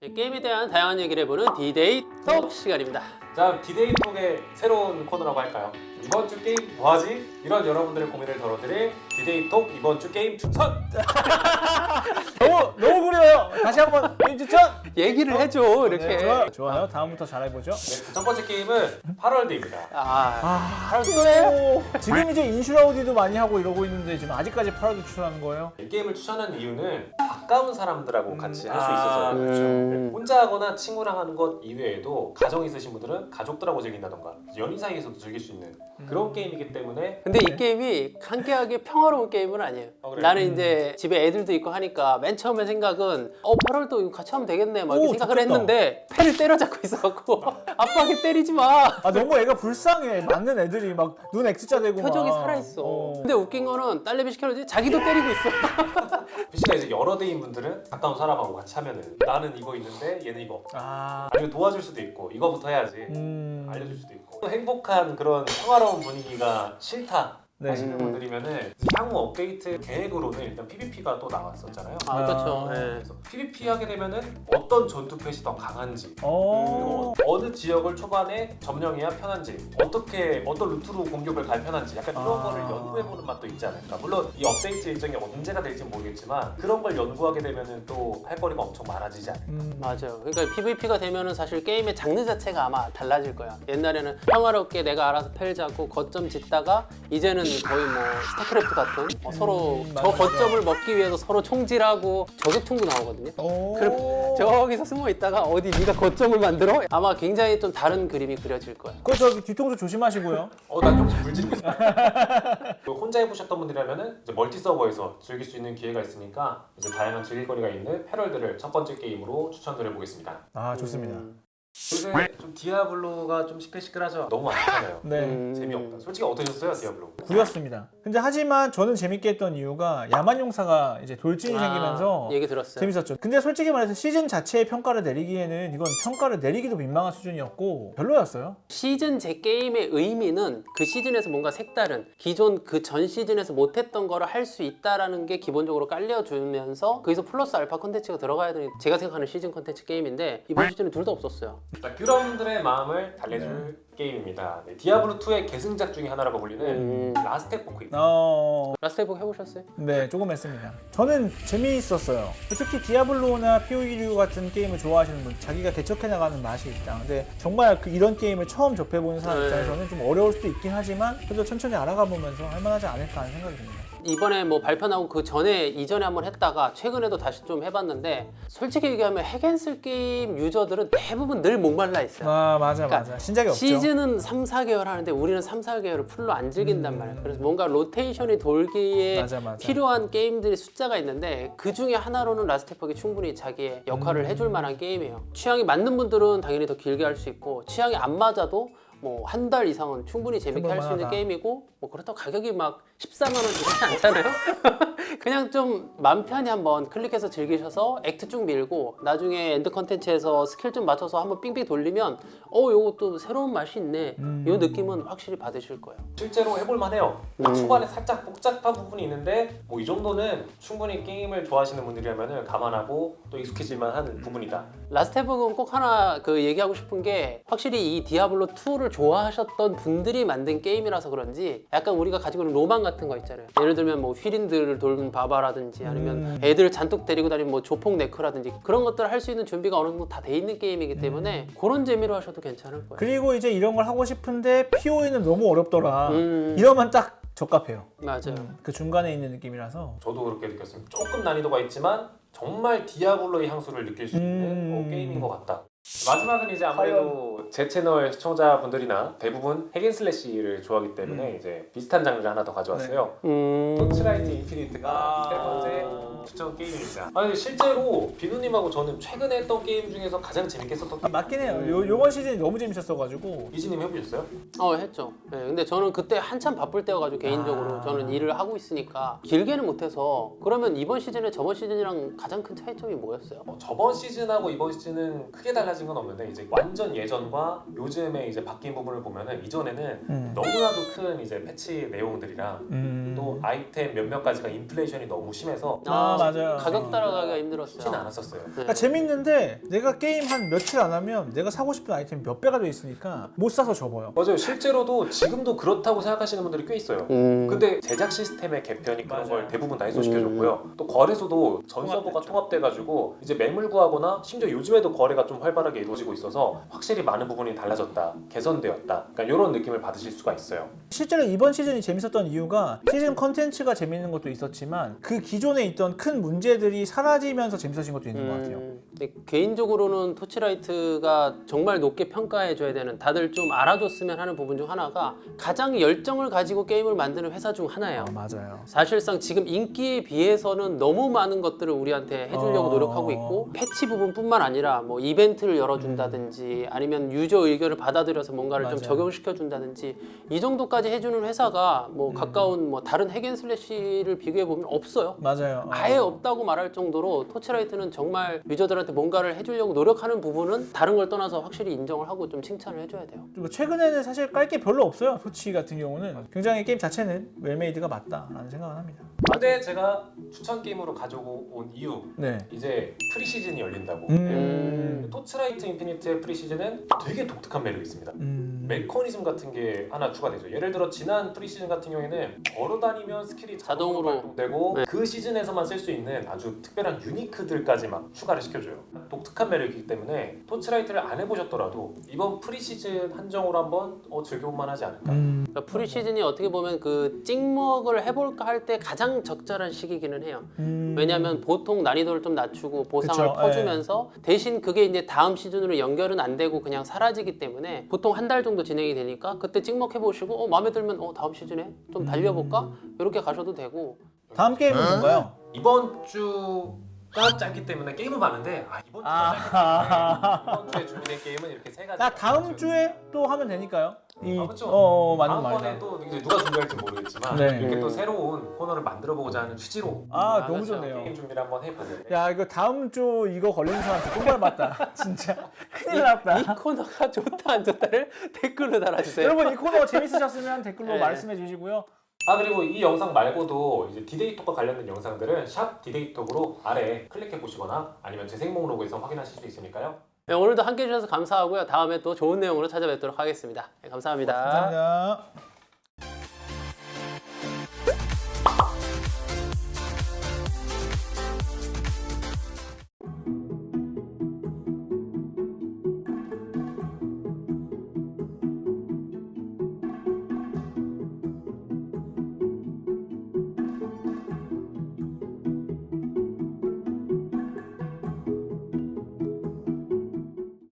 게임에 대한 다양한 얘기를 해보는 디데이 톡 시간입니다. 자, 디데이 톡의 새로운 코너라고 할까요? 이번 주 게임 뭐하지? 이런 여러분들의 고민을 덜어드릴 디데이 톡 이번 주 게임 추천! 너무 그려요. 다시 한번 게임 추천. 얘기를 해줘 이렇게. 네, 좋아요. 다음부터 잘해보죠. 네, 첫 번째 게임은 하럴드입니다. 바로 또래요? 지금 이제 인슈라우디도 많이 하고 이러고 있는데 지금 아직까지 파라도 추천하는 거예요? 이 게임을 추천한 이유는 가까운 사람들하고 같이 할 수 있어서요. 그렇죠. 혼자 하거나 친구랑 하는 것 이외에도 가정 있으신 분들은 가족들하고 즐긴다던가 연인 사이에서도 즐길 수 있는 그런 게임이기 때문에 근데 이 게임이 한계하게 평화로운 게임은 아니에요. 그래요? 나는 이제 집에 애들도 있고 하니까 맨 처음에 생각은 파럴도 이거 같이 하면 되겠네 막 이렇게 오, 생각을 좋겠다. 했는데 패를 때려잡고 있어갖고 아빠한테 때리지 마. 아 너무 애가 불쌍해. 맞는 애들이 막 눈 X자 되고 표정이 막. 살아있어. 근데 웃긴 거는 딸내미 시켜놓지 자기도 때리고 있어. PC가 이제 여러 대인 분들은 가까운 사람하고 같이 하면은 나는 이거 있는데 얘는 이거 없어. 아. 아니면 도와줄 수도 있고 이거부터 해야지 알려줄 수도 있고 행복한 그런 평화로운 분위기가 싫다 네. 하시는 분들이면은 향후 업데이트 계획으로는 일단 PVP가 또 나왔었잖아요. 그렇죠. 예. 그래서 PVP 하게 되면은 어떤 전투 펫이 더 강한지 어. 그리고 어느 지역을 초반에 점령해야 편한지 어떤 루트로 공격을 가야 편한지 약간 이런 거를 연구해보는 맛도 있지 않을까. 물론 이 업데이트 일정이 언제가 될지 모르겠지만 그런 걸 연구하게 되면은 또 할 거리가 엄청 많아지지 않을까. 맞아요. 그러니까 PVP가 되면은 사실 게임의 장르 자체가 아마 달라질 거야. 옛날에는 평화롭게 내가 알아서 펠 잡고 거점 짓다가 이제는 거의 뭐 스타크래프트 같은 서로 저 맞아. 거점을 먹기 위해서 서로 총질하고 저격총도 나오거든요. 그럼 저기서 숨어 있다가 어디 네가 거점을 만들어? 아마 굉장히 좀 다른 그림이 그려질 거야. 그 저기 뒤통수 조심하시고요. 난 혹시 물지르고 있어. 혼자 해보셨던 분들이라면은 이제 멀티 서버에서 즐길 수 있는 기회가 있으니까 이제 다양한 즐길거리가 있는 패럴드를 첫 번째 게임으로 추천드려보겠습니다. 아 좋습니다. 요새 좀 디아블로가 좀 시끌시끌하죠. 너무 많잖아요. 네. 재미없다. 솔직히 어떠셨어요, 디아블로? 구렸습니다. 근데 하지만 저는 재밌게 했던 이유가 야만용사가 이제 돌진이 생기면서 얘기 들었어요. 재밌었죠. 근데 솔직히 말해서 시즌 자체의 평가를 내리기에는 이건 평가를 내리기도 민망한 수준이었고 별로였어요. 시즌 제 게임의 의미는 그 시즌에서 뭔가 색다른 기존 그 전 시즌에서 못했던 거를 할 수 있다라는 게 기본적으로 깔려주면서 거기서 플러스 알파 콘텐츠가 들어가야 되는 제가 생각하는 시즌 콘텐츠 게임인데 이번 시즌은 둘 다 없었어요. 자, 그런 분들의 마음을 달래줄 게임입니다. 네, 디아블로 2의 계승작 중에 하나라고 불리는 라스트 에포크입니다. 라스트 에포크 해보셨어요? 네, 조금 했습니다. 저는 재미있었어요. 특히 디아블로나 POE 같은 게임을 좋아하시는 분, 자기가 개척해 나가는 맛이 있다. 근데 정말 이런 게임을 처음 접해보는 사람 입장에서는 좀 어려울 수도 있긴 하지만 그래도 천천히 알아가 보면서 할만하지 않을까 하는 생각이 듭니다. 이번에 뭐 발표 나고 그 전에 이전에 한번 했다가 최근에도 다시 좀 해봤는데 솔직히 얘기하면 핵앤슬 게임 유저들은 대부분 늘 목말라 있어요. 아 맞아 그러니까 맞아. 신작이 없죠. 시즌은 3, 4개월 하는데 우리는 3, 4개월을 풀로 안 즐긴단 말이에요. 그래서 뭔가 로테이션이 돌기에 맞아. 필요한 게임들의 숫자가 있는데 그 중에 하나로는 라스트 에포크가 충분히 자기의 역할을 해줄 만한 게임이에요. 취향이 맞는 분들은 당연히 더 길게 할 수 있고 취향이 안 맞아도 뭐 한 달 이상은 충분히 재밌게 할 수 있는 해볼만하다. 게임이고 뭐 그렇다고 가격이 막 14만 원 이렇지 않잖아요. 그냥 좀 맘 편히 한번 클릭해서 즐기셔서 액트 쭉 밀고 나중에 엔드 컨텐츠에서 스킬 좀 맞춰서 한번 삥삥 돌리면 요거 또 새로운 맛이 있네 이 느낌은 확실히 받으실 거예요. 실제로 해볼만 해요. 초반에 살짝 복잡한 부분이 있는데 뭐 이 정도는 충분히 게임을 좋아하시는 분들이라면 감안하고 또 익숙해질만 한 부분이다. 라스트 에포크는 꼭 하나 얘기하고 싶은 게 확실히 이 디아블로 2를 좋아하셨던 분들이 만든 게임이라서 그런지 약간 우리가 가지고 있는 로망 같은 거 있잖아요. 예를 들면 뭐 휘린들을 돌는 바바라든지 아니면 애들 잔뜩 데리고 다니는 뭐 조폭 네크라든지 그런 것들을 할 수 있는 준비가 어느 정도 다 돼 있는 게임이기 때문에 그런 재미로 하셔도 괜찮을 거예요. 그리고 이제 이런 걸 하고 싶은데 POE는 너무 어렵더라. 이러면 딱 적합해요. 맞아요. 그 중간에 있는 느낌이라서. 저도 그렇게 느꼈습니다. 조금 난이도가 있지만 정말 디아블로의 향수를 느낄 수 있는 게임인 것 같다. 마지막은 이제 아무래도 제 채널 시청자분들이나 대부분 핵앤슬래시를 좋아하기 때문에 이제 비슷한 장르를 하나 더 가져왔어요. 토치라이트 인피니트가 세 번째 추천 게임입니다. 아니 실제로 비누님하고 저는 최근에 했던 게임 중에서 가장 재밌게 했었던 게임. 맞긴 해요. 요번 시즌이 너무 재밌었어가지고. 이지님 해보셨어요? 했죠. 네, 근데 저는 그때 한참 바쁠 때여가지고 개인적으로 저는 일을 하고 있으니까 길게는 못해서 그러면 이번 시즌에 저번 시즌이랑 가장 큰 차이점이 뭐였어요? 저번 시즌하고 이번 시즌은 크게 달라진 달라진 건 없는데 이제 완전 예전과 요즘에 이제 바뀐 부분을 보면은 이전에는 너무나도 큰 이제 패치 내용들이랑 또 아이템 몇몇 가지가 인플레이션이 너무 심해서 맞아요. 가격 따라가기가 힘들었어요. 쉽지는 않았었어요. 그러니까 재밌는데 내가 게임 한 며칠 안 하면 내가 사고 싶은 아이템이 몇 배가 돼 있으니까 못 사서 접어요. 맞아요. 실제로도 지금도 그렇다고 생각하시는 분들이 꽤 있어요. 근데 제작 시스템의 개편이 그런 걸 대부분 다 해소시켜줬고요. 또 거래소도 전 서버가 통합돼가지고 이제 매물 구하거나 심지어 요즘에도 거래가 좀 활발하게 이루어지고 있어서 확실히 많은 부분이 달라졌다, 개선되었다. 그러니까 이런 느낌을 받으실 수가 있어요. 실제로 이번 시즌이 재밌었던 이유가 시즌 컨텐츠가 재밌는 것도 있었지만 그 기존에 있던 큰 문제들이 사라지면서 재밌어진 것도 있는 것 같아요. 근데 개인적으로는 토치라이트가 정말 높게 평가해줘야 되는, 다들 좀 알아줬으면 하는 부분 중 하나가 가장 열정을 가지고 게임을 만드는 회사 중 하나예요. 맞아요. 사실상 지금 인기에 비해서는 너무 많은 것들을 우리한테 해주려고 노력하고 있고, 패치 부분뿐만 아니라 뭐 이벤트를 열어준다든지 아니면 유저 의견을 받아들여서 뭔가를 좀 맞아요. 적용시켜준다든지 이 정도까지 해주는 회사가 뭐 가까운 뭐 다른 핵앤슬래시를 비교해 보면 없어요. 맞아요. 아예 없다고 말할 정도로 토치라이트는 정말 유저들한테 뭔가를 해주려고 노력하는 부분은 다른 걸 떠나서 확실히 인정을 하고 좀 칭찬을 해줘야 돼요. 그리고 최근에는 사실 깔 게 별로 없어요. 토치 같은 경우는 굉장히 게임 자체는 웰메이드가 맞다라는 생각을 합니다. 근데 제가 추천 게임으로 가지고 온 이유 네. 이제 프리시즌이 열린다고. 토치라이트 인피니트의 프리시즌은 되게 독특한 매력이 있습니다. 메커니즘 같은 게 하나 추가되죠. 예를 들어 지난 프리시즌 같은 경우에는 걸어다니면 스킬이 자동으로 발동되고 네. 그 시즌에서만 쓸 수 있는 아주 특별한 유니크들까지 막 추가를 시켜줘요. 독특한 매력이기 때문에 토치라이트를 안 해보셨더라도 이번 프리시즌 한정으로 한번 즐겨볼만 하지 않을까. 그러니까 프리시즌이 어떻게 보면 그 찍먹을 해볼까 할 때 가장 적절한 시기기는 해요. 왜냐하면 보통 난이도를 좀 낮추고 보상을 그쵸, 퍼주면서 대신 그게 이제 다음 시즌으로 연결은 안 되고 그냥 사라지기 때문에 보통 한 달 정도 진행이 되니까 그때 찍먹해 보시고 마음에 들면 다음 시즌에 좀 달려볼까? 이렇게 가셔도 되고. 다음 게임은 뭔가요? 이번 주가 짧기 때문에 게임은 많은데 이번 주가 짧기 때문에 이번 주에 준비된 게임은 이렇게 세 가지. 나 다음 주에 또 하면 되니까요. 그렇죠. 맞는 다음번에 말이다. 또 이제 누가 준비할지 모르겠지만 네. 이렇게 또 새로운 코너를 만들어보고자 하는 취지로 너무 그렇죠. 좋네요. 게임 준비를 한번 해보는데 야, 이거 다음 주 이거 걸리는 사람한테 똥발 맞다. 진짜 큰일 났다. 이 코너가 좋다 안 좋다를 댓글로 달아주세요. 여러분 이 코너 재밌으셨으면 댓글로 네. 말씀해 주시고요. 그리고 이 영상 말고도 이제 디데이톡과 관련된 영상들은 샵 디데이톡으로 아래 클릭해 보시거나 아니면 재생 목록에서 확인하실 수 있으니까요. 네, 오늘도 함께 해주셔서 감사하고요. 다음에 또 좋은 내용으로 찾아뵙도록 하겠습니다. 네, 감사합니다. 감사합니다.